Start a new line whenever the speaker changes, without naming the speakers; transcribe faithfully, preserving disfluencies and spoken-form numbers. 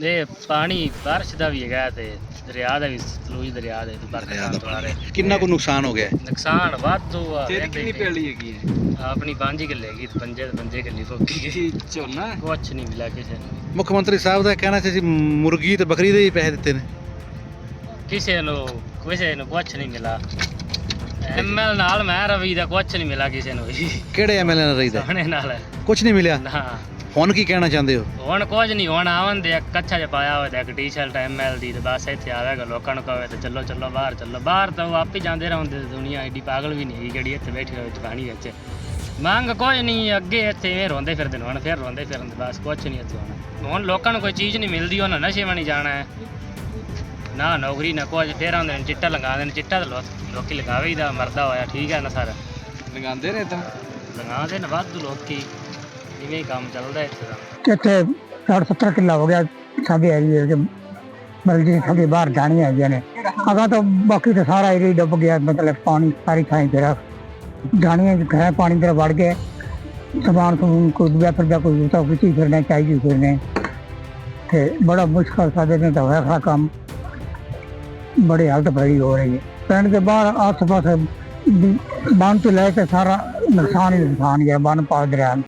ये पानी बारिश का भी है ते दरिया का भी सतलुज दरिया दे बरसात
किन्ना को नुकसान हो गया है?
नुकसान वाधू आ
तेरी कितनी पैली हैगी है?
अपनी पांच किले की पंजे पंजे किले फोकी
ਕੀ ਝੋਨਾ
कुछ नहीं मिला किसी ने
ਮੁੱਖ ਮੰਤਰੀ ਸਾਹਿਬ ਦਾ ਕਹਿਣਾ ਸੀ ਅਸੀਂ ਮੁਰਗੀ ਤੇ ਬੱਕਰੀ ਦੇ ਹੀ ਪੈਸੇ ਦਿੱਤੇ ਨੇ।
किसी नु किसी नु कुछ नहीं मिला एमएल नाल मैं रवि दा कुछ नहीं मिला किसी नु भी
ਕਿਹੜੇ ਐਮਐਲਏ ਨਾਲ ਰਹੀਦਾ?
सोने नाल
ਕੁਝ ਨਹੀਂ ਮਿਲਿਆ।
ना
ਹੁਣ ਕੀ ਕਹਿਣਾ ਚਾਹੁੰਦੇ ਹੋ?
ਹੁਣ ਕੁਝ ਨਹੀਂ ਹੁਣ ਆਵਨ ਦੇ ਇੱਕ ਕੱਛਾ ਜਿਹਾ ਪਾਇਆ ਹੋਇਆ ਤੇ ਇੱਕ ਟੀ-ਸ਼ਰਟ ਐਮਐਲ ਦੀ ਤੇ ਬਸ ਇੱਥੇ ਆਵੇਗਾ ਲੋਕਾਂ ਨੂੰ ਕਹੇ ਤੇ ਚੱਲੋ ਚੱਲੋ ਬਾਹਰ ਚੱਲੋ ਬਾਹਰ ਤਾਂ ਉਹ ਆਪ ਹੀ ਜਾਂਦੇ ਰਹਿੰਦੇ ਦੁਨੀਆ ਐਡੀ ਪਾਗਲ ਵੀ ਨਹੀਂ ਹੈਗੀ ਜਿਹੜੀ ਇੱਥੇ ਬੈਠੀ ਰਹੇ ਪਾਣੀ ਵਿੱਚ ਮੰਗ ਕੁਝ ਨਹੀਂ ਅੱਗੇ ਇੱਥੇ ਇਹ ਰੋਂਦੇ ਫਿਰਦੇ ਨੇ ਹੁਣ ਫਿਰ ਰੋਂਦੇ ਫਿਰਦੇ ਬਸ ਕੁਝ ਨਹੀਂ ਇੱਥੇ ਹੁਣ ਹੁਣ ਲੋਕਾਂ ਨੂੰ ਕੋਈ ਚੀਜ਼ ਨਹੀਂ ਮਿਲਦੀ ਉਹਨਾਂ ਨਸ਼ੇ ਵਣੀ ਜਾਣਾ ਹੈ ਨਾ ਨੌਕਰੀ ਨਾ ਕੁਝ ਫਿਰ ਆਉਂਦੇ ਨੇ ਚਿੱਟਾ ਲਗਾਉਂਦੇ ਨੇ ਚਿੱਟਾ ਤਾਂ ਲੋ- ਲੋਕੀ ਲਗਾਵੇ ਹੀ ਦਾ ਮਰਦਾ ਹੋਇਆ ਠੀਕ ਹੈ ਨਾ ਸਰ
ਲਗਾਉਂਦੇ ਨੇ ਤਾਂ
ਲਗਾਉਂਦੇ ਨੇ ਵਾਧੂ ਲੋਕੀ ਇਵੇਂ ਹੀ ਕੰਮ ਚੱਲਦਾ ਇੱਥੇ ਦਾ
ਇੱਥੇ ਸੱਠ ਸੱਤਰ ਕਿੱਲਾ ਹੋ ਗਿਆ ਸਾਡੇ ਏਰੀਏ ਚ ਮਤਲਬ ਜੀ ਸਾਡੇ ਬਾਹਰ ਜਾਣੀਆਂ ਹੈਗੀਆਂ ਨੇ ਅਗਾ ਤਾਂ ਬਾਕੀ ਤਾਂ ਸਾਰਾ ਏਰੀਆ ਡੁੱਬ ਗਿਆ ਮਤਲਬ ਪਾਣੀ ਸਾਰੀ ਥਾਂ ਫਿਰ ਜਾਣੀਆਂ ਘਰਾਂ ਪਾਣੀ ਦੇ ਵੜ ਗਏ ਸਮਾਨ ਸਮੂਨ ਕੋਈ ਦੂਆ ਫਿਰ ਜਾ ਕੋਈ ਤਾਂ ਕੁਛ ਹੀ ਫਿਰਨਾ ਚਾਹੀਦੀ ਫਿਰਨੇ ਤੇ ਬੜਾ ਮੁਸ਼ਕਲ ਸਾਡੇ ਨੇ ਤਾਂ ਹੋਇਆ ਖਾ ਕੰਮ ਬੜੀ ਹਾਲਤ ਬੜੀ ਹੋ ਰਹੀ ਹੈ ਪਿੰਡ ਦੇ ਬਾਹਰ ਆਸ ਪਾਸ ਬੰਨ ਤੋਂ ਲੈ ਕੇ ਸਾਰਾ ਨੁਕਸਾਨ ਹੀ ਨੁਕਸਾਨ ਗਿਆ ਬੰਨ ਪਾ ਦਰਿਆ